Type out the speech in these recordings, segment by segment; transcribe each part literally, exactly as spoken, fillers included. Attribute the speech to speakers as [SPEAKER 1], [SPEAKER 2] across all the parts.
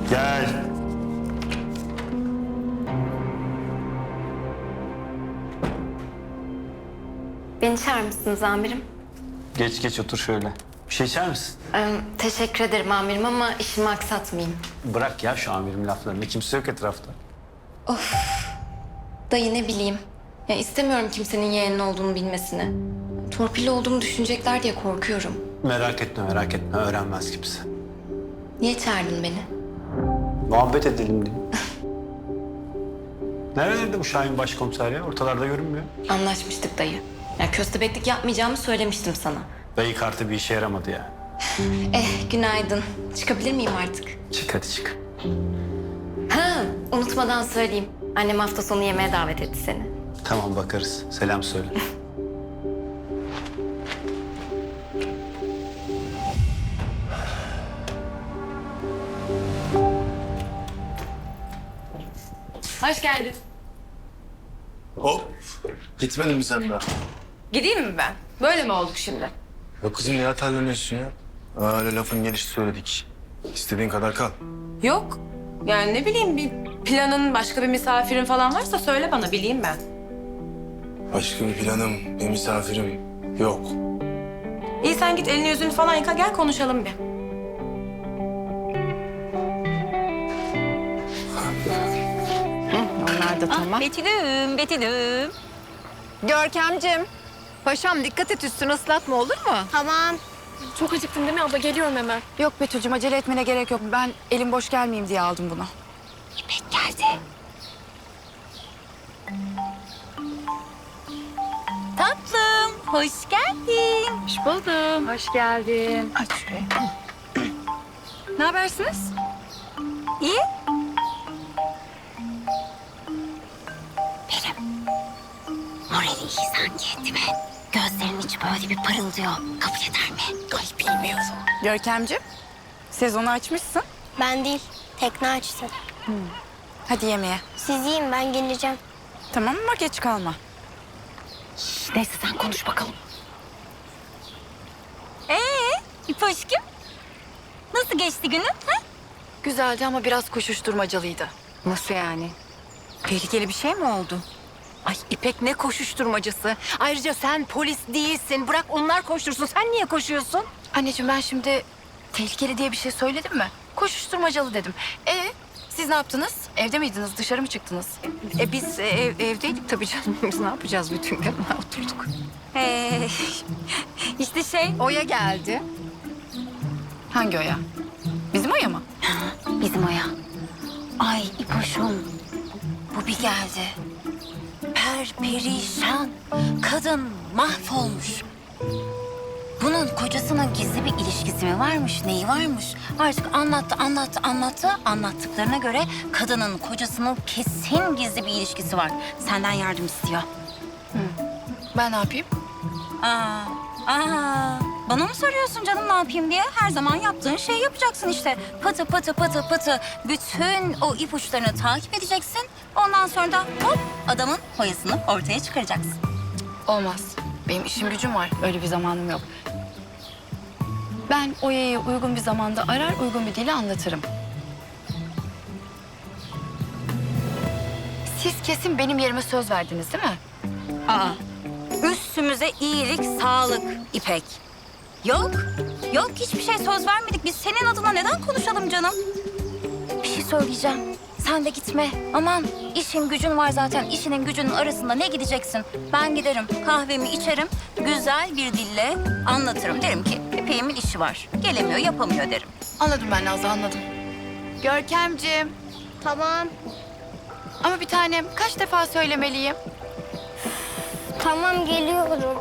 [SPEAKER 1] Gel.
[SPEAKER 2] Beni çağırır mısınız amirim?
[SPEAKER 1] Geç geç otur şöyle. Bir şey içer misin?
[SPEAKER 2] Ee, teşekkür ederim amirim ama işimi aksatmayayım.
[SPEAKER 1] Bırak ya şu amirim laflarını. Kimse yok etrafta.
[SPEAKER 2] Dayı ne bileyim. Ya istemiyorum kimsenin yeğenin olduğunu bilmesini. Torpilli olduğumu düşünecekler diye korkuyorum.
[SPEAKER 1] Merak etme merak etme. Öğrenmez kimse.
[SPEAKER 2] Niye çağırdın beni?
[SPEAKER 1] Muhabbet edelim diye. Nerelerde bu Şahin başkomiser ya? Ortalarda görünmüyor.
[SPEAKER 2] Anlaşmıştık dayı. Ya köstebeklik yapmayacağımı söylemiştim sana.
[SPEAKER 1] Dayı kartı bir işe yaramadı ya.
[SPEAKER 2] Eh günaydın. Çıkabilir miyim artık?
[SPEAKER 1] Çık hadi çık.
[SPEAKER 2] Ha unutmadan söyleyeyim. Annem hafta sonu yemeğe davet etti seni.
[SPEAKER 1] Tamam bakarız. Selam söyle.
[SPEAKER 2] Hoş geldin.
[SPEAKER 3] Hop. Gitmedin mi sen daha?
[SPEAKER 4] Gideyim mi ben? Böyle mi olduk şimdi?
[SPEAKER 3] Yok kızım niye atarlanıyorsun ya? Öyle lafın gelişi söyledik. İstediğin kadar kal.
[SPEAKER 4] Yok. Yani ne bileyim bir planın, başka bir misafirin falan varsa söyle bana bileyim ben.
[SPEAKER 3] Başka bir planım, bir misafirim yok.
[SPEAKER 4] İyi sen git elini yüzünü falan yıka gel konuşalım bir.
[SPEAKER 5] Onlar da tamam.
[SPEAKER 6] Betül'üm, Betül'üm.
[SPEAKER 5] Görkemcim. Paşam dikkat et üstünü ıslatma olur mu?
[SPEAKER 7] Tamam.
[SPEAKER 8] Çok acıktın değil mi abla? Geliyorum hemen.
[SPEAKER 5] Yok Betül'cüm acele etmene gerek yok. Ben elim boş gelmeyeyim diye aldım bunu.
[SPEAKER 6] İpek geldi. Tatlım, hoş geldin.
[SPEAKER 5] Hoş buldum. Hoş geldin. Aç şurayı. Ne habersiniz?
[SPEAKER 6] İyi. Benim. Morali iyi sanki değil mi? Gözlerinin içi böyle bir parıldıyor. Kabul eder mi? Ay bilmiyorum.
[SPEAKER 5] Görkemcim. Sezonu açmışsın.
[SPEAKER 7] Ben değil. Tekne açsın.
[SPEAKER 5] Hadi yemeğe.
[SPEAKER 7] Siz yiyin ben geleceğim.
[SPEAKER 5] Tamam ama geç kalma.
[SPEAKER 6] Neyse sen konuş bakalım. Ee, İpoş'cum? Nasıl geçti günün? Ha?
[SPEAKER 5] Güzeldi ama biraz koşuşturmacalıydı.
[SPEAKER 6] Nasıl yani?
[SPEAKER 5] Tehlikeli bir şey mi oldu?
[SPEAKER 6] Ay İpek ne koşuşturmacısı. Ayrıca sen polis değilsin. Bırak onlar koştursun. Sen niye koşuyorsun?
[SPEAKER 5] Anneciğim ben şimdi tehlikeli diye bir şey söyledim mi? Koşuşturmacalı dedim. E siz ne yaptınız? Evde miydiniz? Dışarı mı çıktınız?
[SPEAKER 6] E biz ev, evdeydik tabii canım. Biz ne yapacağız bütün gün? Oturduk. Ee, işte şey...
[SPEAKER 5] Oya geldi. Hangi Oya? Bizim Oya mı?
[SPEAKER 6] Bizim Oya. Ay İpoş'um. Bu bir geldi. Perperişan. Kadın mahvolmuş. Bunun kocasının gizli bir ilişkisi mi varmış, neyi varmış? Artık anlattı, anlattı, anlattı. Anlattıklarına göre kadının kocasının kesin gizli bir ilişkisi var. Senden yardım istiyor.
[SPEAKER 5] Ben ne yapayım?
[SPEAKER 6] Aa, aa. Bana mı soruyorsun canım ne yapayım diye? Her zaman yaptığın şeyi yapacaksın işte. Pıtı pıtı pıtı pıtı. Bütün o ipuçlarını takip edeceksin. Ondan sonra da hop adamın hoyasını ortaya çıkaracaksın.
[SPEAKER 5] Olmaz. Benim işim gücüm var. Öyle bir zamanım yok. Ben Oya'yı uygun bir zamanda arar, uygun bir dille anlatırım. Siz kesin benim yerime söz verdiniz değil mi?
[SPEAKER 6] Aa, üstümüze iyilik, sağlık İpek. Yok, yok hiçbir şey söz vermedik. Biz senin adına neden konuşalım canım? Bir şey söyleyeceğim. Sen de gitme. Aman işin gücün var zaten. İşinin gücünün arasında ne gideceksin? Ben giderim, kahvemi içerim. Güzel bir dille anlatırım. Derim ki İpek'imin işi var. Gelemiyor, yapamıyor derim.
[SPEAKER 5] Anladım ben Nazlı, anladım. Görkemciğim.
[SPEAKER 7] Tamam.
[SPEAKER 5] Ama bir tanem kaç defa söylemeliyim?
[SPEAKER 7] Tamam geliyorum.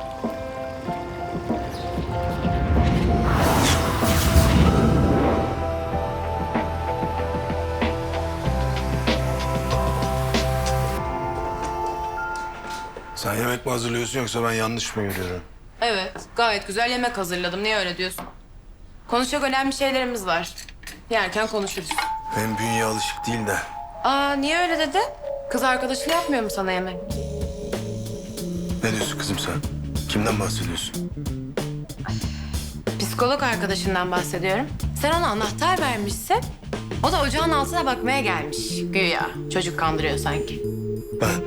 [SPEAKER 3] Sen yemek mi hazırlıyorsun yoksa ben yanlış mı görüyorum?
[SPEAKER 4] Evet gayet güzel yemek hazırladım. Niye öyle diyorsun? Konuşacak önemli şeylerimiz var. Yerken konuşuruz.
[SPEAKER 3] Benim bünye alışık değil de.
[SPEAKER 4] Aa niye öyle dedi? Kız arkadaşın yapmıyor mu sana yemek?
[SPEAKER 3] Ne diyorsun kızım sen? Kimden bahsediyorsun?
[SPEAKER 4] Psikolog arkadaşından bahsediyorum. Sen ona anahtar vermişsin. O da ocağın altına bakmaya gelmiş güya. Çocuk kandırıyor sanki.
[SPEAKER 3] Ben.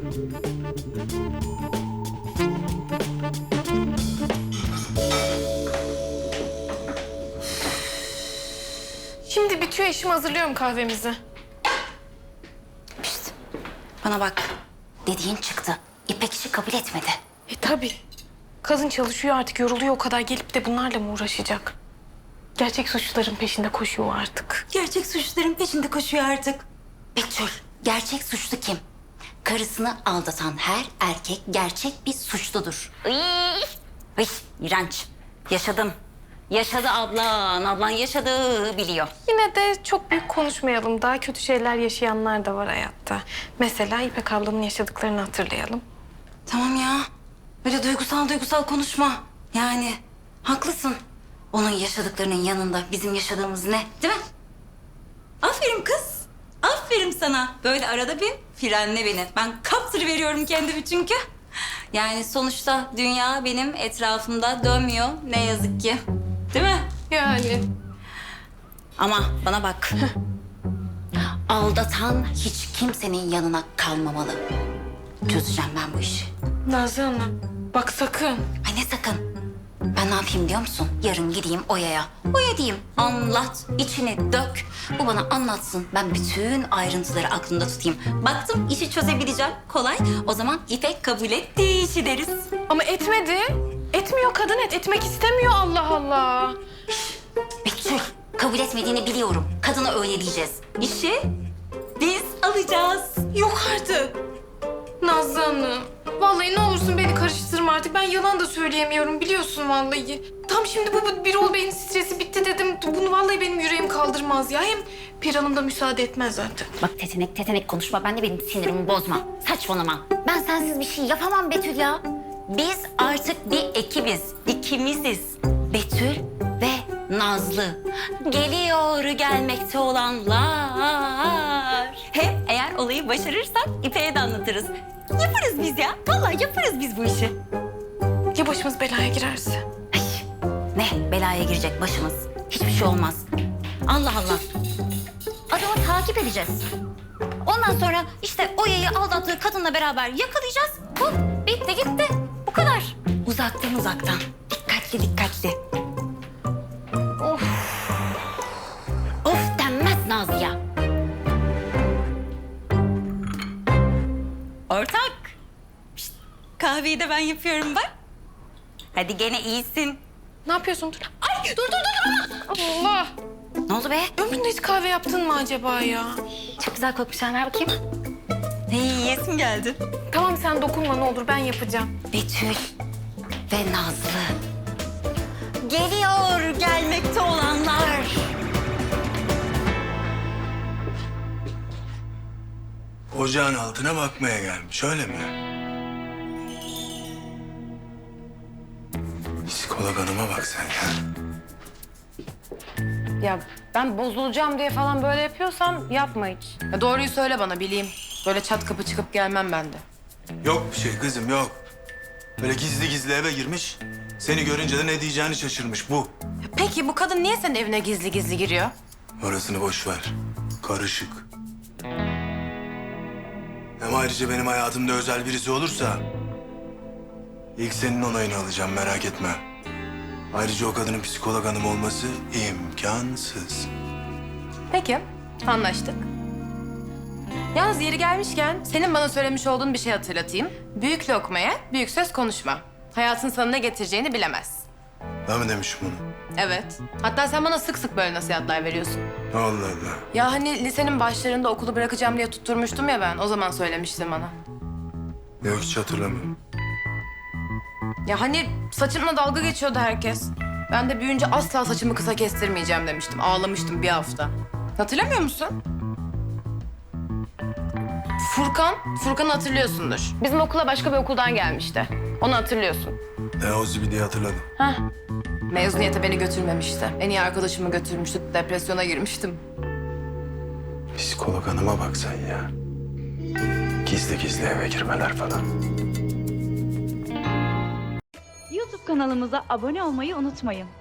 [SPEAKER 8] Şimdi bitiyor işim, hazırlıyorum kahvemizi.
[SPEAKER 6] Pişt. Bana bak. Dediğin çıktı. İpek işi kabul etmedi.
[SPEAKER 8] E tabii. Kadın çalışıyor artık, yoruluyor o kadar, gelip de bunlarla mı uğraşacak? Gerçek suçluların peşinde koşuyor artık.
[SPEAKER 6] Gerçek suçluların peşinde koşuyor artık. Betül, gerçek suçlu kim? Karısını aldatan her erkek gerçek bir suçludur. Iy, Iy, iğrenç. Yaşadım. Yaşadı ablan. Ablan yaşadı, biliyor.
[SPEAKER 8] Yine de çok büyük konuşmayalım. Daha kötü şeyler yaşayanlar da var hayatta. Mesela İpek ablanın yaşadıklarını hatırlayalım.
[SPEAKER 6] Tamam ya. Böyle duygusal duygusal konuşma. Yani haklısın. Onun yaşadıklarının yanında bizim yaşadığımız ne? Değil mi? Aferin kız. Aferin sana. Böyle arada bir frenle beni. Ben kaptırıveriyorum kendimi çünkü. Yani sonuçta dünya benim etrafımda dönmüyor. Ne yazık ki. Değil mi?
[SPEAKER 8] Yani.
[SPEAKER 6] Ama bana bak. Aldatan hiç kimsenin yanına kalmamalı. Çözeceğim ben bu işi.
[SPEAKER 8] Nazlı Hanım, bak sakın.
[SPEAKER 6] Ay ne sakın. Ben ne yapayım biliyor musun? Yarın gideyim Oya'ya. Oya diyeyim. Anlat, içini dök. Bu bana anlatsın. Ben bütün ayrıntıları aklımda tutayım. Baktım işi çözebileceğim. Kolay. O zaman İpek kabul etti işi deriz.
[SPEAKER 8] Ama etmedi. Etmiyor kadın, et. Etmek istemiyor, Allah Allah.
[SPEAKER 6] Betül, kabul etmediğini biliyorum. Kadına öyle diyeceğiz. İşi biz alacağız.
[SPEAKER 8] Yok artık. Nazlı Hanım, vallahi ne olursun beni karıştırma artık. Ben yalan da söyleyemiyorum, biliyorsun vallahi. Tam şimdi bu, bu Birol Bey'in stresi bitti dedim. Bunu vallahi benim yüreğim kaldırmaz ya. Hem Pir Hanım da müsaade etmez zaten.
[SPEAKER 6] Bak tetenek tetenek konuşma. Ben de benim sinirimi bozma. Saçmalama. Ben sensiz bir şey yapamam Betül ya. Biz artık bir ekibiz. İkimiziz. Betül ve Nazlı. Geliyor gelmekte olanlar. Hem eğer olayı başarırsak İpek'e de anlatırız. Yaparız biz ya. Vallahi yaparız biz bu işi.
[SPEAKER 8] Ya başımız belaya girerse?
[SPEAKER 6] Ay, ne belaya girecek başımız? Hiçbir şey olmaz. Allah Allah. Adamı takip edeceğiz. Ondan sonra işte Oya'yı aldattığı kadınla beraber yakalayacağız. Hop, bitti gitti. Bu kadar. Uzaktan uzaktan. Dikkatli dikkatli. Of. Of denmez Nazlı'ya. Ortak. Şişt, kahveyi de ben yapıyorum bak. Hadi gene iyisin.
[SPEAKER 8] Ne yapıyorsun? Dur. Ay dur dur dur. Allah.
[SPEAKER 6] Ne oldu be?
[SPEAKER 8] Ömründe hiç kahve yaptın mı acaba ya?
[SPEAKER 6] Çok güzel kokmuş. Ver bakayım. İyi, yiyesim geldi.
[SPEAKER 8] Tamam sen dokunma ne olur, ben yapacağım.
[SPEAKER 6] Betül ve Nazlı. Geliyor gelmekte olanlar.
[SPEAKER 3] Ocağın altına bakmaya gelmiş, öyle mi? Psikolog hanıma bak sen ya.
[SPEAKER 4] Ya ben bozulacağım diye falan böyle yapıyorsam yapma hiç. Ya doğruyu söyle bana bileyim. Böyle çat kapı çıkıp gelmem ben de.
[SPEAKER 3] Yok bir şey kızım, yok. Böyle gizli gizli eve girmiş. Seni görünce de ne diyeceğini şaşırmış bu.
[SPEAKER 4] Ya peki bu kadın niye senin evine gizli gizli giriyor?
[SPEAKER 3] Orasını boş ver. Karışık. Hem ayrıca benim hayatımda özel birisi olursa... ...ilk senin onayını alacağım, merak etme. Ayrıca o kadının psikolog hanım olması imkansız.
[SPEAKER 4] Peki, anlaştık. Yalnız yeri gelmişken senin bana söylemiş olduğun bir şey hatırlatayım. Büyük lokmaya büyük söz konuşma. Hayatın sana ne getireceğini bilemez.
[SPEAKER 3] Ben mi demişim bunu?
[SPEAKER 4] Evet. Hatta sen bana sık sık böyle nasihatler veriyorsun.
[SPEAKER 3] Allah Allah.
[SPEAKER 4] Ya hani lisenin başlarında okulu bırakacağım diye tutturmuştum ya ben. O zaman söylemiştin bana.
[SPEAKER 3] Yok, hiç hatırlamıyorum.
[SPEAKER 4] Ya hani saçımla dalga geçiyordu herkes. Ben de büyüyünce asla saçımı kısa kestirmeyeceğim demiştim. Ağlamıştım bir hafta. Hatırlamıyor musun? Furkan, Furkan'ı hatırlıyorsundur. Bizim okula başka bir okuldan gelmişti. Onu hatırlıyorsun.
[SPEAKER 3] Ne o zibidi hatırladım.
[SPEAKER 4] Heh. Mezuniyete beni götürmemişti. En iyi arkadaşımı götürmüştü. Depresyona girmiştim.
[SPEAKER 3] Psikolog hanıma bak sen ya. Gizli gizli eve girmeler falan.
[SPEAKER 9] YouTube kanalımıza abone olmayı unutmayın.